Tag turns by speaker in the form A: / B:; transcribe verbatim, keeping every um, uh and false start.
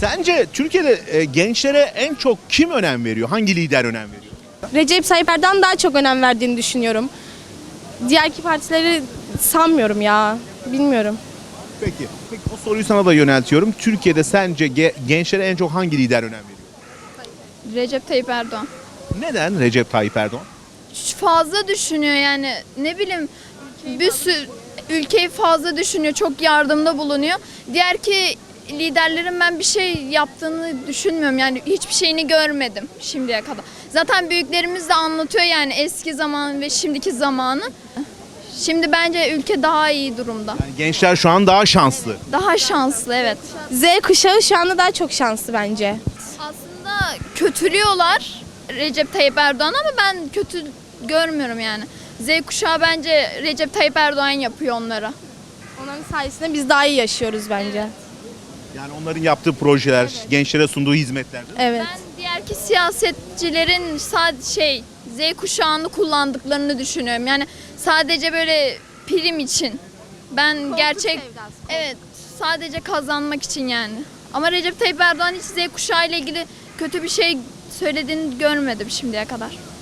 A: Sence Türkiye'de e, gençlere en çok kim önem veriyor? Hangi lider önem veriyor?
B: Recep Tayyip Erdoğan daha çok önem verdiğini düşünüyorum. Diğer iki partileri sanmıyorum ya. Bilmiyorum.
A: Peki. Peki o soruyu sana da yöneltiyorum. Türkiye'de sence ge- gençlere en çok hangi lider önem veriyor?
C: Recep Tayyip Erdoğan.
A: Neden Recep Tayyip Erdoğan?
C: Fazla düşünüyor yani, ne bileyim, bir sürü ülkeyi fazla düşünüyor, çok yardımda bulunuyor. Diğer ki liderlerin ben bir şey yaptığını düşünmüyorum, yani hiçbir şeyini görmedim şimdiye kadar. Zaten büyüklerimiz de anlatıyor yani eski zaman ve şimdiki zamanı. Şimdi bence ülke daha iyi durumda.
A: Yani gençler şu an daha şanslı.
C: Daha şanslı, evet.
B: Z kuşağı şu anda daha çok şanslı bence.
C: Aslında kötülüyorlar Recep Tayyip Erdoğan ama ben kötü görmüyorum yani. Z kuşağı bence Recep Tayyip Erdoğan yapıyor onlara.
B: Onların sayesinde biz daha iyi yaşıyoruz bence.
A: Yani onların yaptığı projeler, gençlere sunduğu hizmetler. değil mi?
B: Evet.
C: Ben diğerki siyasetçilerin sadece şey Z kuşağını kullandıklarını düşünüyorum. Yani sadece böyle prim için. Ben gerçek evet sadece kazanmak için yani. Ama Recep Tayyip Erdoğan hiç Z kuşağı ile ilgili kötü bir şey söylediğini görmedim şimdiye kadar.